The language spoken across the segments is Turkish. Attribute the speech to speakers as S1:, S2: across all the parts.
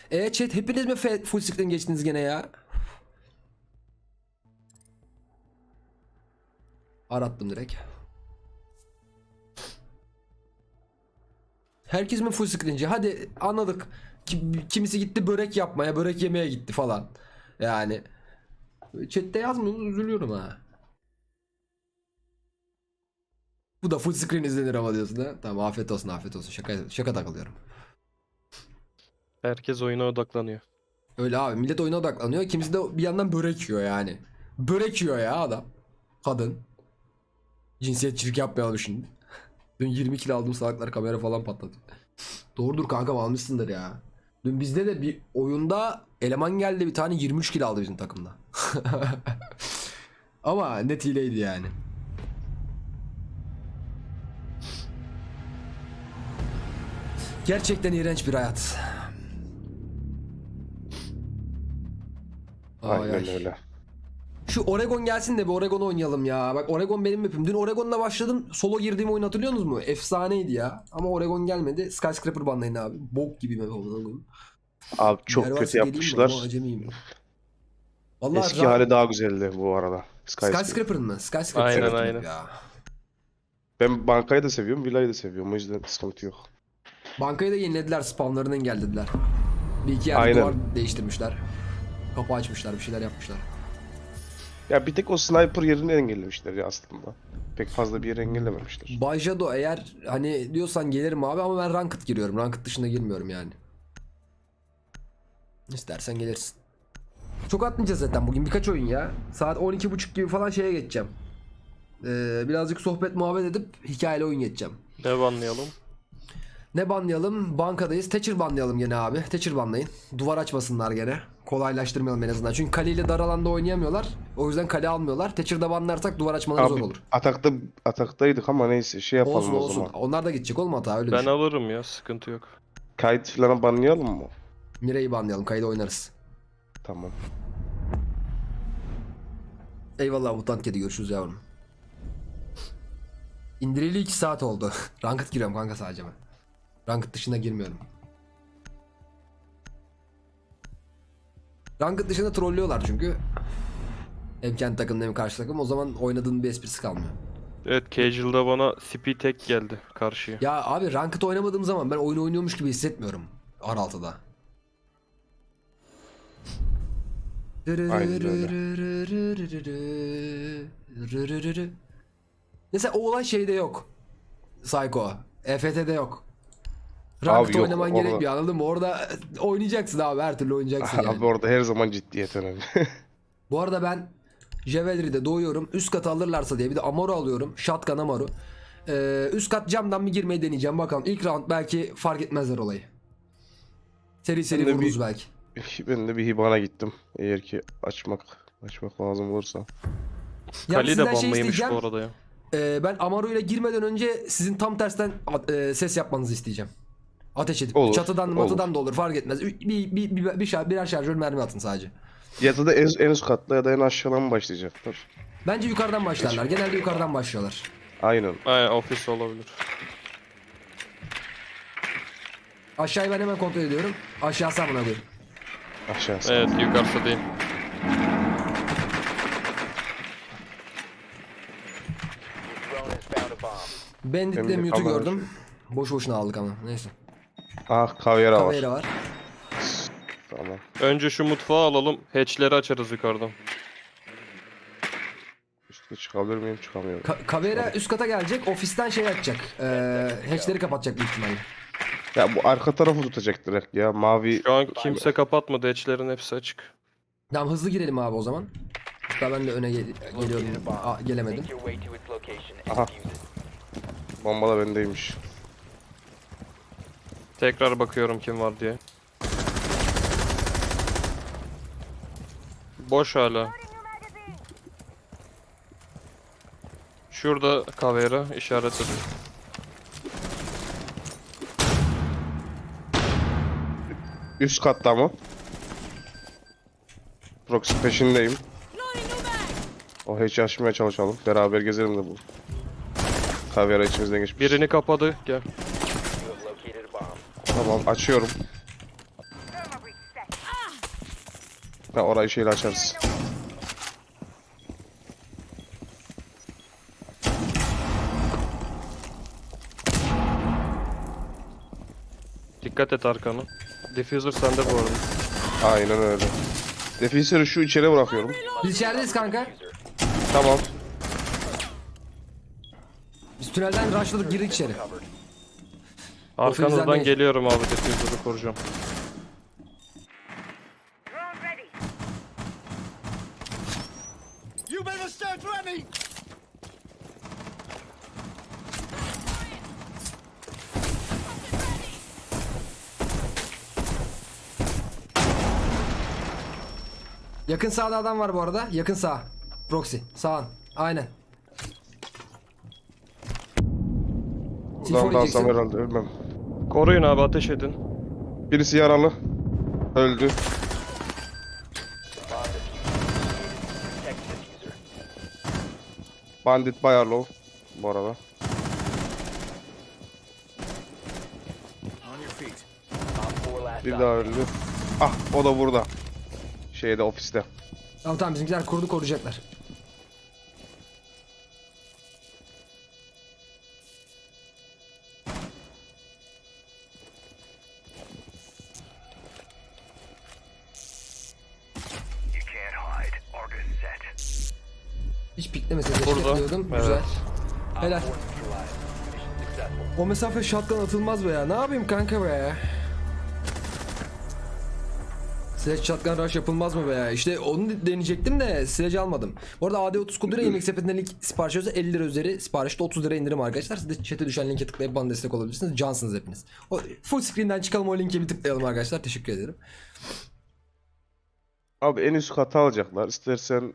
S1: Chat hepiniz mi full screen geçtiniz gene ya? Arattım direkt. Herkes mi full screenci? Hadi anladık. Kimisi gitti börek yapmaya, börek yemeye gitti falan. Yani chat'te yazmıyorsunuz, üzülüyorum ha. Bu da full screen izlenir ama diyorsun ha. Tamam, afiyet olsun, afiyet olsun. Şaka takılıyorum.
S2: Herkes oyuna odaklanıyor.
S1: Öyle abi, millet oyuna odaklanıyor. Kimisi de bir yandan börek yiyor yani. Börek yiyor ya adam. Kadın. Cinsiyetçilik yapmayalım şimdi. Dün 20 kilo aldım, salaklar kamera falan patladı. Doğrudur kankam, almışsındır ya. Dün bizde de bir oyunda eleman geldi, bir tane 23 kilo aldı bizim takımda. Ama net hileydi yani. Gerçekten iğrenç bir hayat.
S3: Aynen öyle.
S1: Şu Oregon gelsin de bir Oregon oynayalım ya. Bak, Oregon benim map'im. Dün Oregon'la başladım. Solo girdiğim oyun hatırlıyorsunuz mu? Efsaneydi ya. Ama Oregon gelmedi. Skyscraper banlayın abi. Bok gibi map oldu.
S3: Abi çok kötü yapmışlar.
S1: Vallahi
S3: Eski hali daha güzeldi bu arada.
S1: Skyscraper'ın mı? Skyscraper
S2: Aynen,
S1: çok
S2: aynen.
S1: ya.
S3: Ben bankayı da seviyorum, villayı da seviyorum. O yüzden sıkıntı yok.
S1: Bankayı da yenilediler. Spawnlarını engellediler. Bir iki yerde
S3: Aynen.
S1: duvar değiştirmişler. Kapı açmışlar. Bir şeyler yapmışlar.
S3: Ya bir tek o sniper yerini engellemişler ya aslında. Pek fazla bir yeri engellememişler.
S1: Bajado, eğer hani diyorsan gelirim abi, ama ben ranked giriyorum. Ranked dışında girmiyorum yani. İstersen gelirsin. Çok atmayacağız zaten bugün, birkaç oyun ya. Saat 12.30 gibi falan şeye geçeceğim. Birazcık sohbet muhabbet edip hikayeli oyun geçeceğim.
S2: Ne banlayalım?
S1: Ne banlayalım? Bankadayız. Thatcher banlayalım gene abi. Thatcher banlayın. Duvar açmasınlar gene. Kolaylaştırmayalım en azından. Çünkü kaleyle dar alanda oynayamıyorlar. O yüzden kale almıyorlar. Thatcher'da banlarsak duvar açmaları zor
S3: Abi
S1: olur.
S3: ataktaydık ama neyse şey yapalım
S1: Olsun
S3: o
S1: olsun.
S3: zaman.
S1: Onlar da gidecek oğlum, hata öyle
S2: Ben
S1: düşün.
S2: alırım ya, sıkıntı yok.
S3: Kayıt falan banlayalım mı?
S1: Mire'yi banlayalım. Kayda oynarız.
S3: Tamam.
S1: Eyvallah mutant kedi, görüşürüz yavrum. İndireli 2 saat oldu. Ranked giriyorum kanka sadece ben. Ranked dışında girmiyorum. Ranked dışında trollüyorlar çünkü. Hem kendi takımda hem karşı takım. O zaman oynadığın bir esprisi kalmıyor.
S2: Evet, Casual'da bana CP tek geldi karşıya.
S1: Ya abi, Ranked oynamadığım zaman ben oyunu oynuyormuş gibi hissetmiyorum. R6'da.
S3: Aynen öyle.
S1: Mesela o olay şeyde yok. Psycho. EFT'de yok.
S3: Abi
S1: Ranked
S3: yok,
S1: oynaman
S3: orada-
S1: gerekmiyor, anladın mı? Orada oynayacaksın abi, her türlü oynayacaksın yani.
S3: Abi orada her zaman ciddiyet önemli.
S1: Bu arada ben Jewelry'de doğuyorum. Üst katı alırlarsa diye bir de Amaru alıyorum. Shotgun Amaru. Üst kat camdan bir girmeyi deneyeceğim. Bakalım ilk round belki fark etmezler olayı. Seri seri
S3: Ben de
S1: vururuz belki.
S3: Ben de bir hibana gittim. Eğer ki açmak lazım olursa.
S2: Kali de
S1: sizden şey
S2: banlıymış
S1: isteyeceğim.
S2: bu arada ya.
S1: Ben Amaru ile girmeden önce sizin tam tersten ses yapmanızı isteyeceğim. Ateş edip
S3: Olur,
S1: çatıdan
S3: olur.
S1: matıdan da olur, fark etmez. Birer şarjör mermi atın sadece.
S3: Ya da en üst katla ya da en aşağıdan mı başlayacaklar?
S1: Bence yukarıdan başlarlar. Genelde yukarıdan başlıyorlar.
S3: Aynen.
S2: Aynen, ofis olabilir.
S1: Aşağıyı ben hemen kontrol ediyorum. Aşağısı amına koyayım.
S3: Aşağısı.
S2: Evet, yukarısı değil.
S1: Bandit'le
S3: Benim de
S1: mute'u
S3: kamera
S1: gördüm. Boş boşuna aldık ama neyse.
S3: Ah, kavyera var.
S1: Kavera var.
S3: Tamam.
S2: Önce şu mutfağı alalım. Hatch'leri açarız yukarıdan.
S3: Üstte çıkabilir miyim? Çıkamıyorum.
S1: Kavera üst kata gelecek. Ofisten şey açacak. Hatch'leri kapatacak büyük ihtimalle.
S3: Ya bu arka tarafı tutacak direkt ya. Mavi.
S2: Şu an kimse kapatmadı. Hatch'lerin hepsi açık.
S1: Tamam, hızlı girelim abi o zaman. Hatta ben de öne geliyorum. Gelemedim.
S3: Aha. Bomba da bendeymiş.
S2: Tekrar bakıyorum kim var diye. Boş hala. Şurada Kavera işaretledim.
S3: Üst katta mı? Proxy peşindeyim. O hiç açmaya çalışalım. Beraber gezelim de bu. Kavyera içimizden geçmiş.
S2: Birini kapadı. Gel.
S3: Tamam, açıyorum. Ha, orayı şeyle açarız.
S2: Dikkat et arkanı. Diffuser sende bu arada.
S3: Aynen öyle. Definsörü şu içeri bırakıyorum.
S1: Biz içerideyiz kanka.
S3: Tamam.
S1: Biz tünelden rushladık, girdik içeri.
S2: Arkanızdan
S1: değil.
S2: geliyorum abi, diffuser'ı koruyacağım.
S4: You better stand ready!
S1: Yakın sağda adam var bu arada. Yakın sağ. Proxy. Sağın. Aynen.
S3: Buradan
S1: C4
S3: dalsam
S1: yiyeceksin.
S3: herhalde ölmem.
S2: Koruyun abi, ateş edin.
S3: Birisi yaralı. Öldü. Bandit bayağı low bu arada.
S4: On your feet.
S3: Bir daha öldü. Ah, o da burada. Şeyde, ofiste.
S1: Tamam tamam, bizimkiler kurdu, koruyacaklar.
S4: You can't hide. Argus set.
S1: Hiç piklemese keşke
S2: Burada.
S1: diyordum.
S2: Evet.
S1: Güzel. Helal. O mesafe shotgun atılmaz be ya. Ne yapayım kanka be ya? Sledge shotgun rush yapılmaz mı be ya? İşte onu deneyecektim de sledge almadım. Bu arada AD30 koduyla yemek sepetinden link sipariş ediyorsa 50 lira üzeri siparişte 30 lira indirim arkadaşlar. Siz de chat'e düşen linke tıklayıp bana destek olabilirsiniz. Cansınız hepiniz. O full screen'den çıkalım, o linke bir tıklayalım arkadaşlar. Teşekkür ederim.
S3: Abi en üst katı alacaklar. İstersen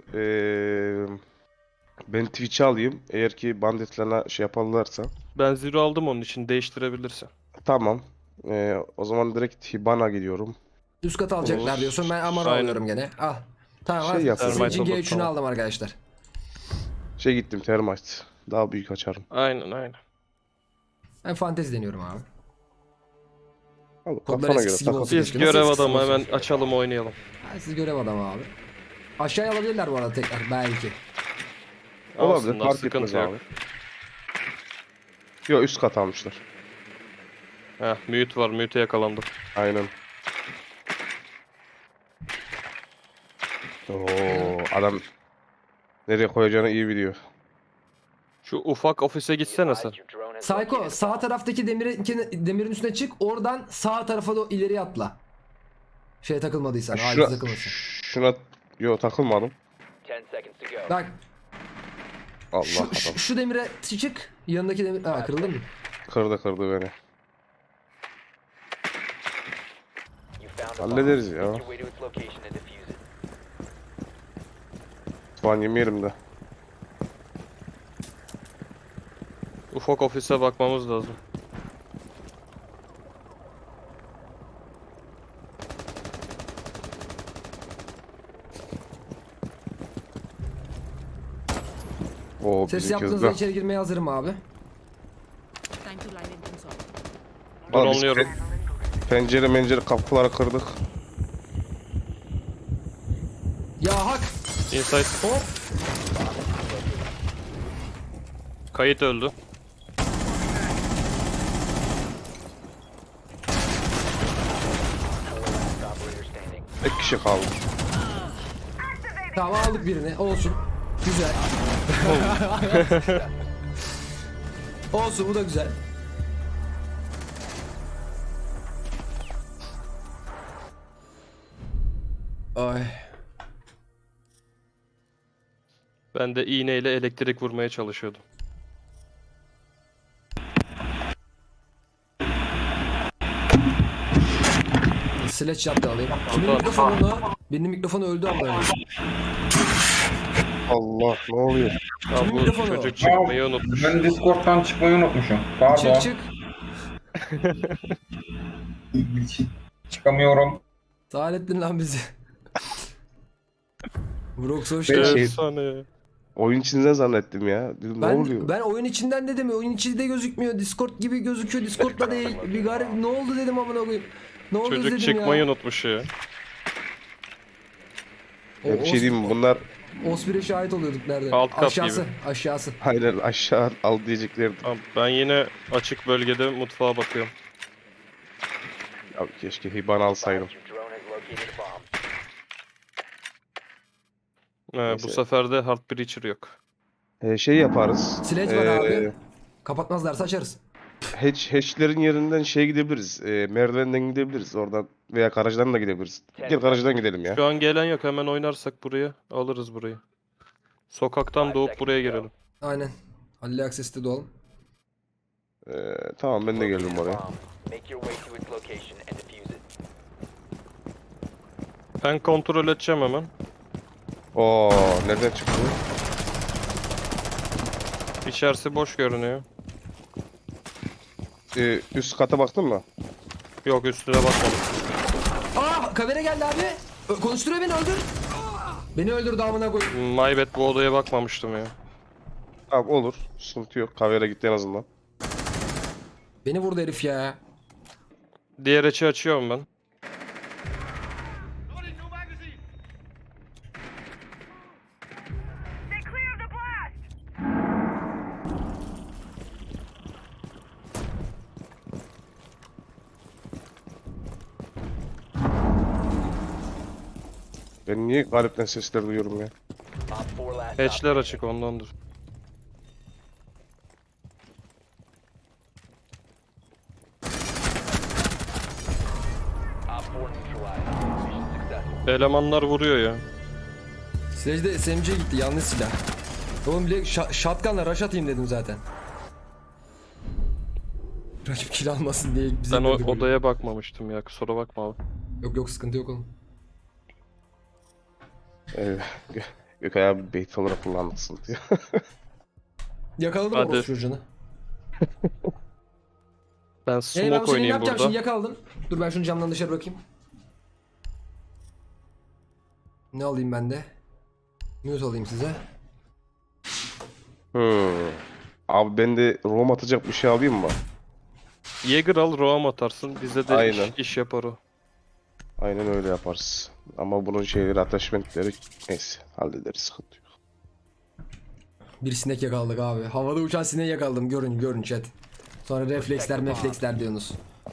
S3: ben Twitch'i alayım. Eğer ki banditlerine şey yaparlarsa.
S2: Ben zero aldım, onun için değiştirebilirsin.
S3: Tamam. O zaman direkt Hibana gidiyorum.
S1: Üst katı alacaklar
S2: Olur.
S1: diyorsun. Ben Amara
S2: Aynen.
S1: alıyorum gene. Al. Tamam
S3: Şey
S1: al.
S3: yapalım.
S1: Sizin için
S2: Termite
S1: G3'ünü
S2: tamam.
S1: aldım arkadaşlar.
S3: Şey gittim, Termite. Daha büyük açarım.
S2: Aynen aynen.
S1: Ben fantezi deniyorum abi.
S3: Al,
S1: Kodlar
S3: kafana göre
S1: eskisi gibi
S3: takıl.
S1: olsun.
S2: Biz
S1: Keşke.
S2: görev
S1: Nasıl
S2: adamı,
S1: eskisi
S2: hemen
S1: olsun?
S2: açalım oynayalım.
S1: Ha, siz görev adamı abi. Aşağıya alabilirler bu arada tekrar belki.
S3: Olabilir,
S2: Alsınlar,
S3: fark
S2: sıkıntı
S3: etmez
S2: yok.
S3: abi. Yok, üst kat almışlar.
S2: Heh, mute var, mute'e yakalandım.
S3: Aynen. Oo, adam nereye koyacağını iyi biliyor.
S2: Şu ufak ofise gitsene sen.
S1: Psycho sağ taraftaki demirin üstüne çık. Oradan sağ tarafa da ileriye atla. Şeye takılmadıysan. Ağaca
S3: Şuna,
S1: takılmasın.
S3: şuna yok, takılmadım.
S5: 10 seconds to go.
S1: Bak
S3: Allah
S1: şu,
S3: adam.
S1: şu demire çık. Yanındaki demir... Aa, kırıldı mı?
S3: Kırdı beni.
S5: You found a
S3: Hallederiz
S5: bomb.
S3: ya.
S5: Make your way to its location and defuse it.
S3: Puan yemeyelim de.
S2: Ufak ofise bakmamız lazım.
S3: Oo,
S1: Ses
S3: bizim
S1: yaptığınızda
S3: kızda.
S1: içeri girmeye hazırım abi.
S6: Time to line in console.
S3: Abi biz
S2: Dronluyorum.
S3: Pencere kapıları kırdık.
S1: Ya hak.
S2: Inside.
S1: Hop.
S2: Kayıt öldü.
S5: Operator standing.
S3: Tek kişi kaldı.
S1: Tamam aldık birini. Olsun. Güzel. Olsun, bu da güzel. Ay.
S2: Ben de iğneyle elektrik vurmaya çalışıyordum.
S1: Sledge yaptı alayım. Kimin
S2: Tamam.
S1: mikrofonunu? Benim mikrofonu öldü abla.
S3: Allah, ne oluyor?
S2: Ya
S1: Kimin
S2: bu
S1: mikrofonu?
S2: çocuk çıkmayı unutmuş.
S7: Ben Discord'dan çıkmayı unutmuşum. Pardon.
S1: Çık çık.
S7: Çıkamıyorum.
S1: Sağ ettin lan bizi. Brox hoş
S3: Ben
S1: geldin.
S3: şey-
S2: Efsane.
S3: Oyun içinden zannettim ya. Dedim ne oluyor?
S1: Ben oyun içinden dedim ya, oyun içi de gözükmüyor. Discord gibi gözüküyor. Discord'da değil. Bir garip ne oldu dedim amına koyayım. Ne oldu
S2: Çocuk
S1: dedim
S2: çıkmayı
S1: ya.
S2: unutmuş ya.
S3: Ya bir şey diyeyim mi? Bunlar
S1: Osprey'e şahit oluyorduk nerede?
S2: Alt kat
S1: Aşağısı.
S2: gibi.
S1: Aşağısı.
S3: aynen aşağı al diyeceklerdi.
S2: Tamam, ben yine açık bölgede mutfağa bakıyorum.
S3: Ya keşke hiban alsaydım.
S5: Your drone has located a bomb.
S2: Bu
S3: Neyse.
S2: sefer de Heart Breacher yok.
S3: Şey yaparız.
S1: Sledge var abi. Kapatmazlarsa açarız.
S3: Hatchlerin yerinden şey gidebiliriz. Merdivenden gidebiliriz oradan veya garajdan da gidebiliriz. Gel garajdan gidelim ya.
S2: Şu an gelen yok, hemen oynarsak buraya alırız burayı. Sokaktan doğup buraya girelim.
S1: Aynen. Halil Akses'te doğalım.
S3: Tamam ben de geldim
S5: Located a
S3: oraya.
S5: bomb. Make your way to its location and defuse it.
S2: Ben kontrol edeceğim hemen.
S3: Oo nereden çıktı?
S2: İçerisi boş görünüyor.
S3: Üst kata baktın mı?
S2: Yok, üstüne bakmadım.
S1: Aa kamera geldi abi. Konuşturuyor beni öldür. Beni öldürdü amına koy.
S2: My bad, bu odaya bakmamıştım ya.
S3: Tamam olur. Sıkıntı yok. Kavyara gitti en azından.
S1: Beni vurdu herif ya.
S2: Diğer açı açıyorum ben.
S4: Stay clear of the blast!
S3: Ben niye galipten sesler duyuyorum ya?
S5: Op 4 last
S2: Hatchler
S5: op
S2: açık, ondandır.
S5: neutralized. Mission successful.
S2: Elemanlar vuruyor ya.
S1: Sledge'de SMG'ye gitti yanlış silah. Oğlum bile shotgun'la rush atayım dedim zaten. Rakip kill almasın diye bize
S2: Ben o
S1: dedik.
S2: odaya bakmamıştım ya, kusura bakma abi.
S1: Yok yok sıkıntı yok oğlum.
S3: Gökay abi bait olarak kullandıksın diyor.
S1: Yakaladım
S2: Hadi.
S1: orospu çocuğunu.
S2: Ben
S1: Ben
S2: smoke
S1: bu senin
S2: oynayayım
S1: yapacağım
S2: burada.
S1: şimdi yakaladım. Dur ben şunu camdan dışarı bırakayım. Ne alayım ben de? Mute alayım size.
S3: Abi ben de roam atacak bir şey alayım mı?
S2: Jäger al, roam atarsın. Bize de
S3: Aynen.
S2: iş yapar o.
S3: Aynen öyle yaparız. Ama bunun şeyleri, attachmentleri neyse hallederiz, sıkıntı yok.
S1: Bir sinek yakaladık abi. Havada uçan sineği yakaladım. Görün görün chat. Sonra refleksler mefleksler diyorsunuz.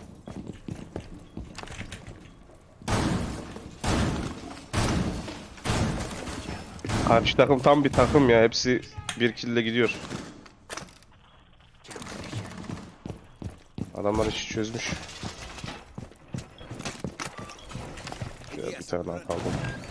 S3: Karşı takım tam bir takım ya. Hepsi bir kill'le gidiyor. Adamlar işi çözmüş. Ya bir tane daha kaldı.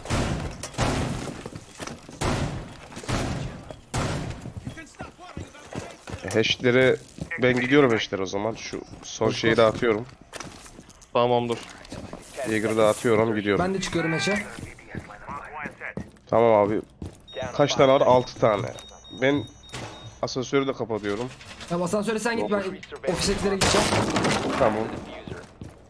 S3: Hash'lere ben gidiyorum hash'lere o zaman. Şu son şeyi de atıyorum.
S2: Tamamdır.
S3: Jaeger'ı da atıyorum, gidiyorum.
S1: Ben de çıkıyorum eşe.
S4: Mark one set.
S3: Tamam abi.
S5: Down to
S3: Kaç
S5: 5
S3: tane var?
S5: seconds.
S3: 6 tane. Ben asansörü de kapatıyorum.
S1: Tamam asansöre sen git ben ofistekilere gideceğim.
S3: Tamam.
S5: Diffuser.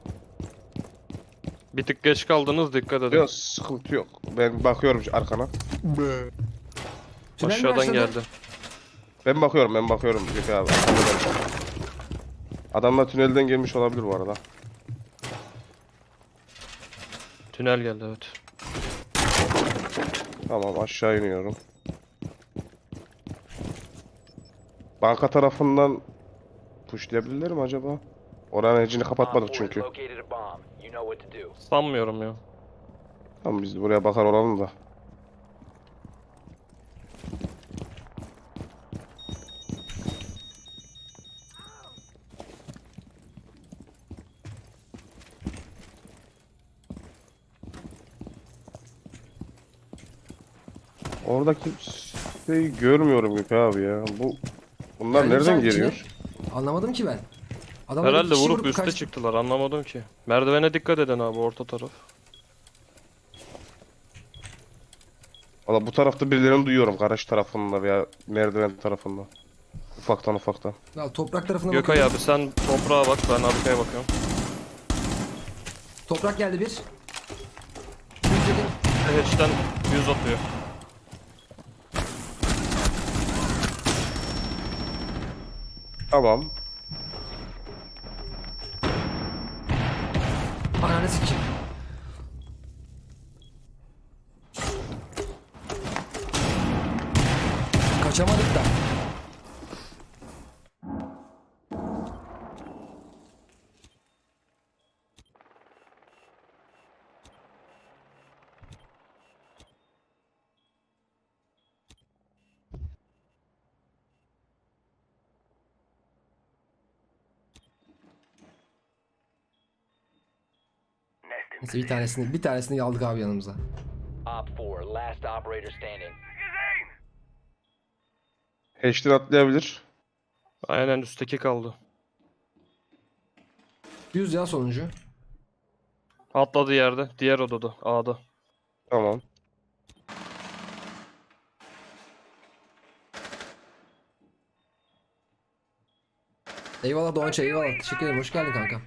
S2: Bir tık geç kaldınız, dikkat edin.
S3: Yok sıkıntı yok. Ben bakıyorum arkana.
S1: Tünel mi
S2: Aşağıdan
S1: başladı?
S2: geldi.
S3: Ben bakıyorum. Gökay abi. Adamlar tünelden gelmiş olabilir bu arada.
S2: Tünel geldi, evet.
S3: Tamam aşağı iniyorum. Banka tarafından pushlayabilirler mi acaba? Oranın edge'ini kapatmadık
S5: Op 4
S3: çünkü.
S5: has located a bomb. You know what to do.
S2: Sanmıyorum ya.
S3: Tamam biz de buraya bakar olalım da. Orada kimseyi görmüyorum Gökay abi ya. Bunlar
S1: Geldim
S3: nereden
S1: sen
S3: geliyor?
S1: içine. Anlamadım ki ben. Adamlar
S2: Herhalde
S1: iki kişi
S2: vurup
S1: vurup
S2: üste
S1: kaç-
S2: çıktılar, anlamadım ki. Merdivene dikkat edin abi, orta taraf.
S3: Valla bu tarafta birilerini duyuyorum. Garaj tarafında veya merdiven tarafında. Ufaktan.
S1: Ya, toprak tarafına
S2: Gökay
S1: bakıyorum.
S2: abi sen toprağa bak, ben arkaya bakıyorum.
S1: Toprak geldi bir.
S2: Hatch'ten 100 atıyor.
S3: Tamam.
S1: Ananı sikeyim. Kaçamadık da. Neyse bir tanesini aldık abi yanımıza.
S5: Op 4, last operator standing.
S3: Hatch'ten atlayabilir.
S2: Aynen üstteki kaldı.
S1: 100 ya sonuncu.
S2: Atladı yerde. Diğer odada. A'da.
S3: Tamam.
S1: Eyvallah Doğança, eyvallah. Teşekkür ederim. Hoş geldin kanka.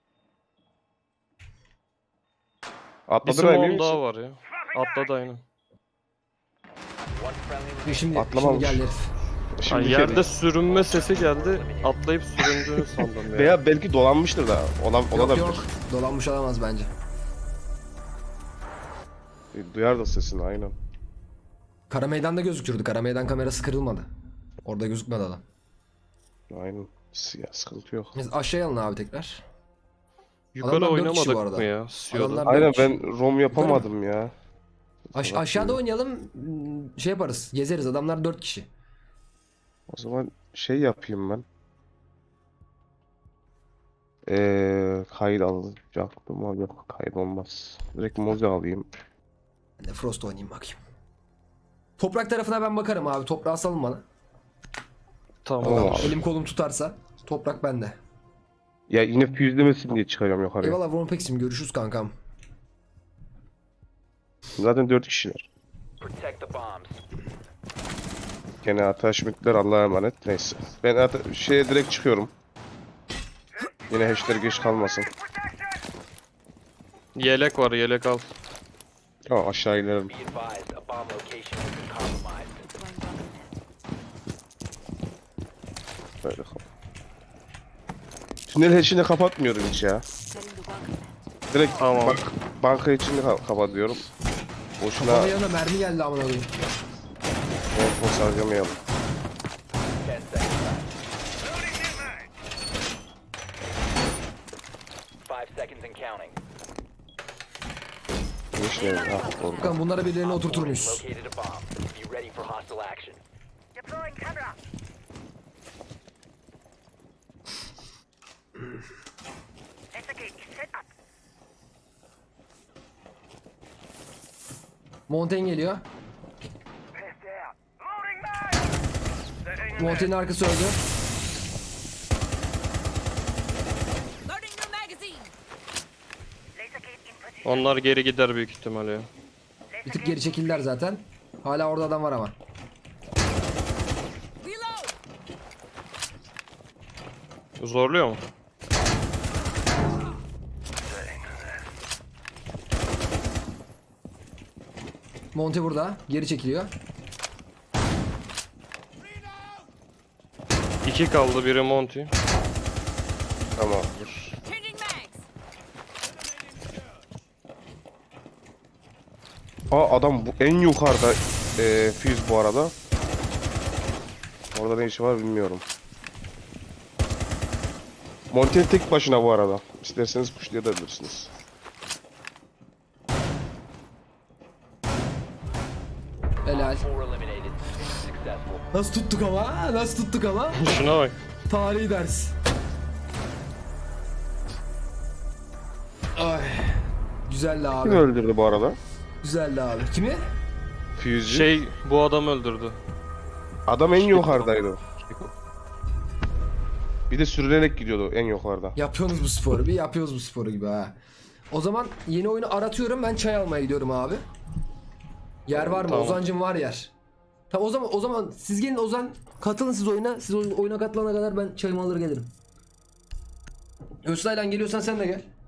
S2: Bir
S3: Atladın emin
S2: smoke'um
S3: misin?
S2: daha var ya. Atladı aynen.
S5: One friendly
S1: Şimdi
S3: Atlamamış.
S1: geldi herif.
S3: Şimdi
S2: Ay, yerde sürünme sesi geldi. Atlayıp süründüğünü sandım ya.
S3: Veya belki dolanmıştır da.
S1: Yok
S3: Olabilir.
S1: yok. Dolanmış olamaz bence.
S3: Duyar da sesini aynen.
S1: Kara meydanda gözükürdü. Kara meydan kamerası kırılmadı. Orada gözükmedi adam.
S3: Aynen. Ya, sıkıntı yok.
S1: Biz aşağıya alın abi tekrar.
S2: Yukarı
S1: Adamlar 4 kişi bu
S2: oynamadık
S1: arada.
S2: mı ya? Sio'da.
S1: Adamlar-
S3: Aynen
S1: dört kişi.
S3: ben rom yapamadım ya.
S1: Aşağıda oynayalım. Şey yaparız. Gezeriz. Adamlar 4 kişi.
S3: O zaman şey yapayım ben. Kayıt alacaktım ama yok kayıt olmaz. Direkt Mozi alayım.
S1: Ben de Frost oynayayım bakayım. Toprak tarafına ben bakarım abi. Toprağı salın bana.
S2: Tamam.
S3: Tamam abi.
S1: Elim kolum tutarsa. Toprak bende.
S3: Ya yine füzlemesin diye çıkacağım yukarıya.
S1: Eyvallah Vorpex'im. Görüşürüz kankam.
S3: Zaten 4 kişiler.
S5: protect the bombs.
S3: Gene ataşmitler Allah'a emanet. Neyse. Ben şeye direkt çıkıyorum. Yine hatchler geç kalmasın.
S2: Yelek var, yelek al.
S3: Tamam aşağı inerim.
S5: Be advised, a bomb location has been compromised.
S6: Deploying bomb net.
S3: Böyle kap. Tünel hatchini kapatmıyorum hiç ya.
S6: Setting the welcome net.
S3: Direkt
S2: Tamam.
S3: banka içini kapatıyorum. Boşuna
S1: Bana yanına mermi geldi amına koyayım.
S3: boş harcamayalım.
S5: 10 seconds left. 5 seconds and counting.
S3: Geçmeyelim. Ah, oldu.
S1: Bakalım bunlara birilerini
S5: Op
S1: oturtur
S5: 4 has
S1: muyuz?
S5: located a bomb. Be ready for hostile action.
S4: Deploying camera. Investigate. Set up.
S1: Montaigne geliyor.
S4: Pissed out. Loading mag. Setting
S1: Montaigne'in arkası öldü.
S6: Loading new magazine.
S4: laser gate in position.
S2: Onlar geri gider büyük ihtimalle ya.
S1: Bir tık geri çekildiler zaten. Hala orada adam var ama.
S6: Reload.
S2: Zorluyor mu?
S1: Monte burada. Geri çekiliyor.
S2: 2 kaldı, biri Monty.
S3: Tamamdır.
S6: Changing mags.
S3: Aa adam bu en yukarıda füze bu arada. Orada ne işi var bilmiyorum. Montel tek başına bu arada. İsterseniz pushlayabilirsiniz.
S1: Helal.
S5: 4 eliminated. Mission successful.
S1: Nasıl tuttuk ama? Nasıl tuttuk ama?
S2: Şuna bak.
S1: Tarihi ders. Ay. Güzeldi
S3: Kim
S1: abi.
S3: öldürdü bu arada?
S1: Güzeldi abi. Kimi?
S3: Füzeci.
S2: Şey, bu adam öldürdü.
S3: Adam en yukarıdaydı. Bir de sürünerek gidiyordu en yukarıda.
S1: Yapıyorsunuz bu sporu. Bir yapıyoruz bu sporu gibi ha. O zaman yeni oyunu aratıyorum. Ben çay almaya gidiyorum abi. Yer var mı?
S2: Tamam.
S1: Ozancım var yer. Tamam o zaman siz gelin Ozan, katılın siz oyuna. Siz oyuna katılana kadar ben çayımı alır gelirim. Öztaylan geliyorsan sen de gel.